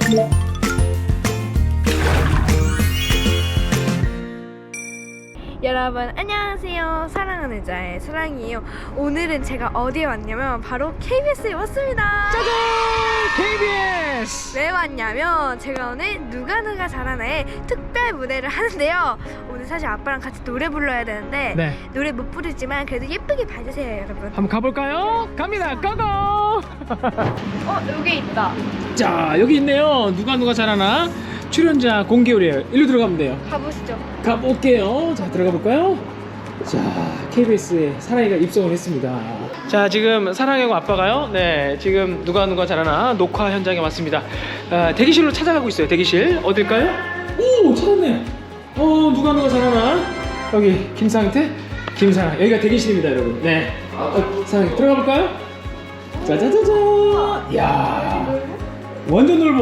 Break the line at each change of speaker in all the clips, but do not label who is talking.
여러분 안녕하세요. 사랑하는 자의 사랑이에요. 오늘은 제가 어디에 왔냐면 바로 KBS에 왔습니다.
짜잔! KBS!
왜 왔냐면 제가 오늘 누가 잘하나의 특별 무대를 하는데요. 오늘 사실 아빠랑 같이 노래 불러야 되는데
네.
노래 못 부르지만 그래도 예쁘게 봐주세요 여러분.
한번 가볼까요? 갑니다. 고고!
여기 있다.
자, 여기 있네요. 누가 잘하나? 출연자 공개율이에요. 일로 들어가면 돼요.
가보시죠.
가볼게요. 자, 들어가 볼까요? 자, KBS에 사랑이가 입성을 했습니다. 자, 지금 사랑이하고 아빠가요. 네, 지금 누가 잘하나 녹화 현장에 왔습니다. 대기실로 찾아가고 있어요. 대기실 어딜까요? 오, 찾았네. 누가 잘하나? 여기 김상태, 김사랑. 여기가 대기실입니다, 여러분. 네. 사랑이 들어가 볼까요? 짜자자자. 이야, 완전 넓어.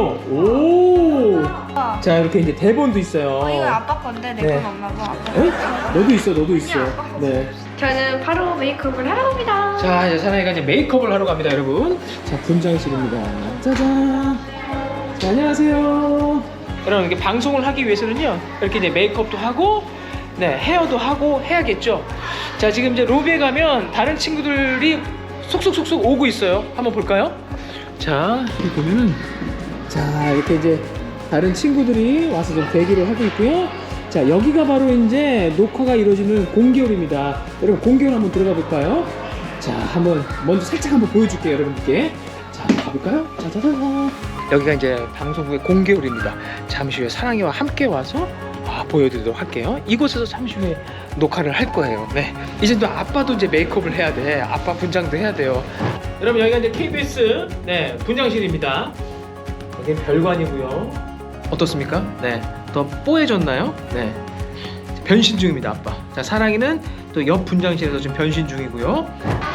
오. 자, 이렇게 이제 대본도 있어요.
이거 아빠 건데 내 건
네.
엄마고 아빠.
에? 너도 있어. 네.
저는 바로 메이크업을 하러 갑니다.
자, 이제 사나이가 이제 메이크업을 하러 갑니다, 여러분. 자, 분장실입니다. 짜잔. 자, 안녕하세요. 여러분, 이렇게 방송을 하기 위해서는요, 이렇게 이제 메이크업도 하고, 네, 헤어도 하고 해야겠죠. 자, 지금 이제 로비에 가면 다른 친구들이 속속속속 오고 있어요. 한번 볼까요? 자, 여기 보면은, 자, 이렇게 이제 다른 친구들이 와서 좀 대기를 하고 있고요. 자, 여기가 바로 이제 녹화가 이루어지는 공개홀입니다. 여러분, 공개홀 한번 들어가 볼까요? 자, 한번 먼저 살짝 한번 보여줄게요, 여러분들께. 자, 가볼까요? 짜자자자. 여기가 이제 방송국의 공개홀입니다. 잠시 후에 사랑이와 함께 와서 보여드리도록 할게요. 이곳에서 잠시 후에 녹화를 할 거예요. 네, 이제 또 아빠도 이제 메이크업을 해야 돼. 아빠 분장도 해야 돼요. 여러분, 여기가 이제 KBS 네 분장실입니다. 여기는 별관이고요. 어떻습니까? 네, 더 뽀해졌나요? 네, 변신 중입니다, 아빠. 자, 사랑이는 또 옆 분장실에서 지금 변신 중이고요.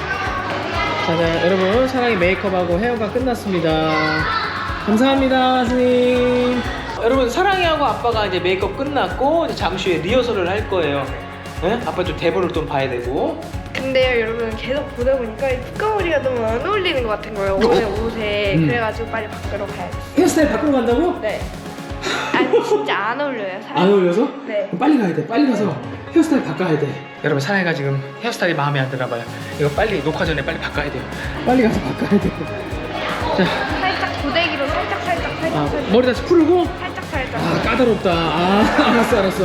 자, 여러분, 사랑이 메이크업하고 헤어가 끝났습니다. 감사합니다, 선생님. 여러분, 사랑이하고 아빠가 이제 메이크업 끝났고 이제 잠시 후에 리허설을 할 거예요. 네? 아빠 좀 대본을 좀 봐야 되고.
근데요 여러분 계속 보다 보니까 이 뚜까머리가 너무 안 어울리는 것 같은 거예요 오늘 옷에. 그래가지고 빨리 바꾸러 가야겠어요.
헤어스타일 바꾸러 간다고?
네. 아니 진짜 안 어울려요 사람.
안 어울려서?
네.
그럼 빨리 가야 돼. 빨리 가서 헤어스타일 바꿔야 돼. 여러분, 사랑이가 지금 헤어스타일이 마음에 안 드나 봐요. 이거 빨리 녹화 전에 빨리 바꿔야 돼요. 빨리 가서 바꿔야 돼요. 자,
살짝 고데기로 살짝
머리 다시 풀고.
살짝.
까다롭다. 알았어.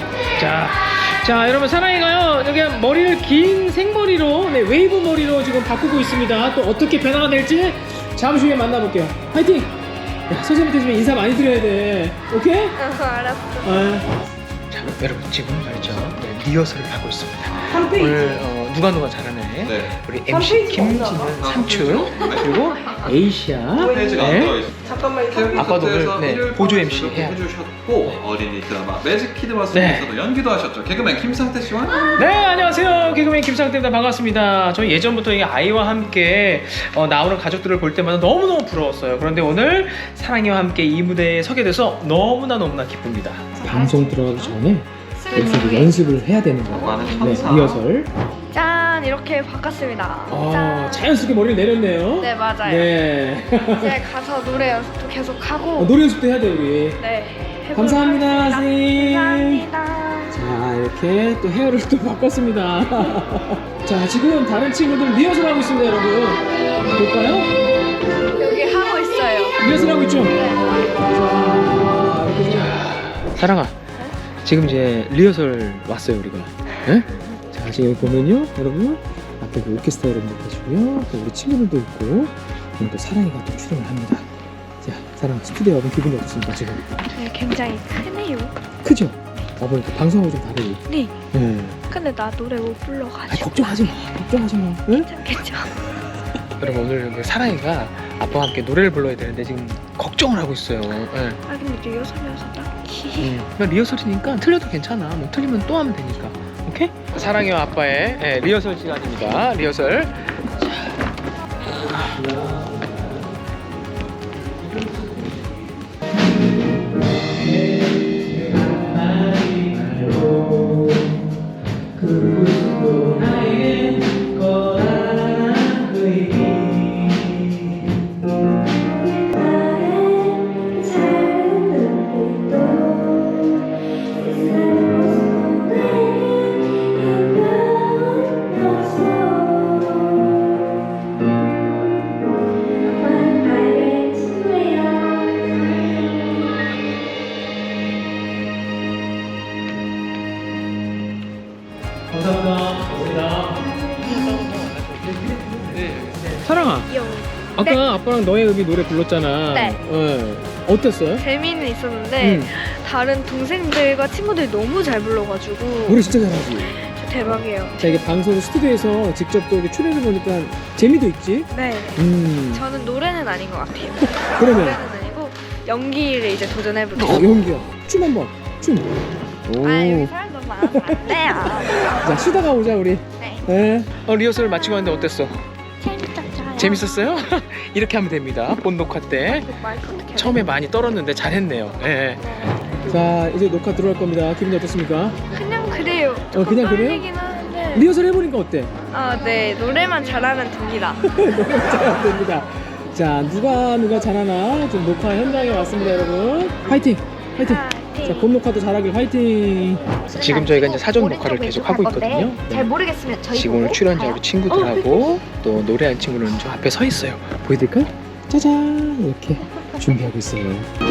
자, 여러분, 사랑이가요 여기 머리를 긴 생머리로, 네, 웨이브 머리로 지금 바꾸고 있습니다. 또 어떻게 변화가 될지 잠시 후에 만나볼게요. 화이팅! 야, 선생님한테 좀 인사 많이 드려야 돼. 오케이?
알았어.
자, 여러분, 지금 말이죠, 네, 리허설을 하고 있습니다. 오늘 누가 잘하네.
네.
우리 MC 김진은 삼촌, 그리고 에이시아.
페이지가 안 들어있어요.
잠깐만
아빠도 오늘, 네, 보조 MC 해야
해주셨고 어린이 드라마 매직키드 마스터에서도 연기도 하셨죠. 개그맨 김상태 씨와
네, 안녕하세요. 개그맨 김상태입니다. 반갑습니다. 저희 예전부터 이 아이와 함께 나오는 가족들을 볼 때마다 너무너무 부러웠어요. 그런데 오늘 사랑이와 함께 이 무대에 서게 돼서 너무나 기쁩니다. 방송 들어가기 전에 여기서 연습을 해야 되는 거예요. 네, 리허설.
짠 이렇게 바꿨습니다. 짠.
자연스럽게 머리를 내렸네요.
네 맞아요.
네.
이제 가서 노래 연습도 계속 하고.
노래 연습도 해야 돼, 우리.
네. 해보도록
감사합니다,
하겠습니다.
선생님.
감사합니다.
자, 이렇게 또 헤어를 또 바꿨습니다. 자, 지금 다른 친구들 리허설 하고 있습니다, 여러분. 볼까요?
여기 하고 있어요.
리허설 하고 있죠? 자, 이렇게 사랑아, 지금 이제 리허설 왔어요, 우리가. 네? 자, 지금 여기 보면요, 여러분, 앞에 그 오케스트라 여러분들 계시고요, 또 우리 친구들도 있고, 그리고 또 사랑이가 또 출연을 합니다. 자, 사랑아, 스튜디오 와본 기분이 어떻습니까, 지금?
네, 굉장히 크네요.
크죠? 와보니 방송하고 좀 다르지?
네.
네.
근데 나 노래 못 불러가지고.
걱정하지 마. 응?
괜찮겠죠?
여러분, 오늘 사랑이가 아빠와 함께 노래를 불러야 되는데 지금 걱정을 하고 있어요. 네.
아 근데 리허설이어서 딱히.
리허설이니까 틀려도 괜찮아. 뭐 틀리면 또 하면 되니까. 오케이? 사랑이와 아빠의 리허설 시간입니다. 리허설. 아까
네.
아빠랑 너의 의미 노래 불렀잖아.
네.
어땠어요?
재미는 있었는데
응.
다른 동생들과 친구들이 너무 잘 불러가지고
노래 진짜 잘하지.
저 대박이에요.
자, 이게 방송 스튜디오에서 직접 또 이렇게 출연해 보니까 재미도 있지.
네. 저는 노래는 아닌 것 같아요.
그러면
노래는 아니고 연기를 이제 도전해볼게요.
연기야. 춤 한번. 춤. 오.
아 여기 사람 너무 많아서 안 돼요.
자, 쉬다가 오자 우리.
네.
네. 리허설 마치고 왔는데 어땠어?
재밌었어요.
재밌었어요? 이렇게 하면 됩니다. 본 녹화 때
마이크 어떻게 해야
처음에 많이 떨었는데 잘했네요. 예. 자, 이제 녹화 들어갈 겁니다. 기분이 어떻습니까?
그냥 그래요.
그냥 그래요?
떨리긴 하는데.
리허설 해보니까 어때?
아, 네. 노래만 잘하면 됩니다.
잘 됩니다. 자, 누가 잘하나 좀 녹화 현장에 왔습니다, 여러분. 화이팅! 화이팅! 자, 본 녹화도 잘하길 화이팅! 지금 저희가 이제 사전 녹화를 계속 하고 있거든요.
잘 모르겠으면 저희
지금 오늘 출연자 우리 친구들하고 또 노래하는 친구는 저 앞에 서 있어요. 보여드릴까요? 짜잔! 이렇게 준비하고 있어요.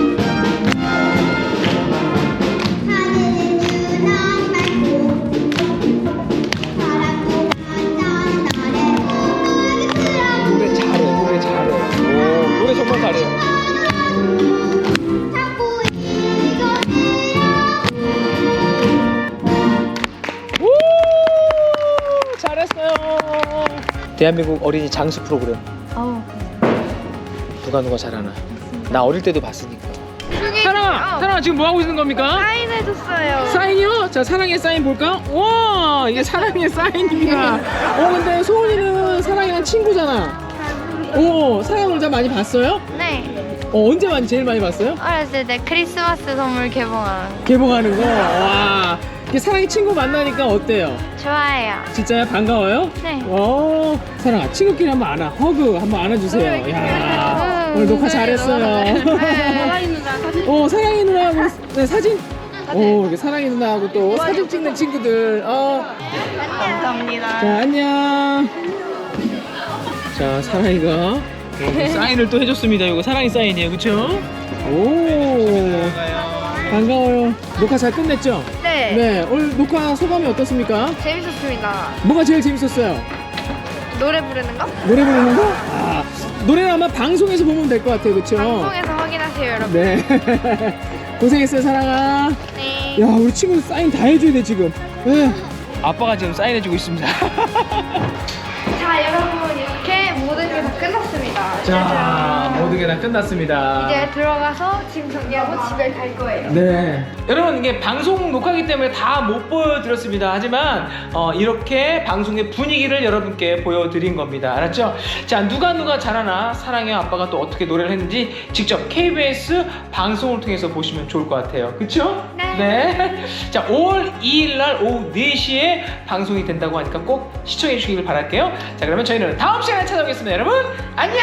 노래 잘해, 노래 잘해. 오, 노래 정말 잘해요. 오, 잘했어요. 대한민국 어린이 장수 프로그램. 누가 잘하나. 나 어릴 때도 봤으니까. 사랑아 지금 뭐 하고 있는 겁니까?
사인해줬어요.
사인이요? 자, 사랑의 사인 볼까? 와, 이게 사랑의 사인입니다. 근데 소은이는 사랑이랑 친구잖아. 사랑 놀자 많이 봤어요?
네,
언제 제일 많이 봤어요?
어렸을 때 크리스마스 선물
개봉하는 거. 와, 이게 사랑이 친구 만나니까 어때요?
좋아해요.
진짜요? 반가워요?
네.
사랑아, 친구끼리 한번 안아. 허그 한번 안아주세요. 야, 오늘 녹화 잘했어요.
사랑이 누나 사진.
사랑이 누나하고 네, 사진. 이게 사랑이 누나하고 또 사진 찍는 친구들.
감사합니다.
자, 안녕. 자, 사랑이가 사인을 또 해줬습니다. 이거 사랑이 사인이에요, 그렇죠? 오, 반가워요. 녹화 잘 끝냈죠?
네.
네, 오늘 녹화 소감이 어떻습니까?
재밌었습니다.
뭐가 제일 재밌었어요?
노래 부르는 거?
노래 부르는 거? 노래는 아마 방송에서 보면 될 것 같아요, 그렇죠?
방송에서 확인하세요, 여러분.
네. 고생했어요, 사랑아.
네.
야, 우리 친구들 사인 다 해줘야 돼 지금. 네. 아빠가 지금 사인해주고 있습니다.
자, 여러분 이렇게 모든 게 다 끝났습니다.
자, 모든 게 다 끝났습니다.
이제 들어가서 짐 정리하고 집에 갈 거예요.
네. 여러분, 이게 방송 녹화기 때문에 다 못 보여드렸습니다. 하지만 이렇게 방송의 분위기를 여러분께 보여드린 겁니다. 알았죠? 자, 누가 잘하나 사랑의 아빠가 또 어떻게 노래를 했는지 직접 KBS 방송을 통해서 보시면 좋을 것 같아요. 그쵸? 네. 자, 5월 2일 날 오후 4시에 방송이 된다고 하니까 꼭 시청해 주시길 바랄게요. 자, 그러면 저희는 다음 시간에 찾아오겠습니다. 여러분, 안녕!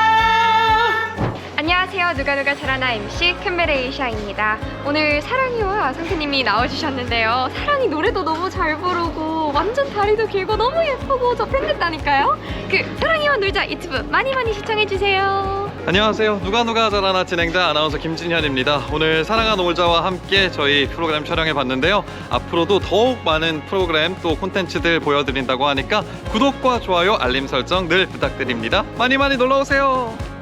안녕하세요. 누가 잘하나 MC 큰베레이샤입니다. 오늘 사랑이와 상태님이 나와주셨는데요. 사랑이 노래도 너무 잘 부르고 완전 다리도 길고 너무 예쁘고 저 팬됐다니까요. 사랑이와 놀자 유튜브 많이 시청해주세요.
안녕하세요. 누가 잘하나 진행자 아나운서 김진현입니다. 오늘 사랑아 놀자와 함께 저희 프로그램 촬영해 봤는데요. 앞으로도 더욱 많은 프로그램 또 콘텐츠들 보여드린다고 하니까 구독과 좋아요, 알림 설정 늘 부탁드립니다. 많이 놀러오세요.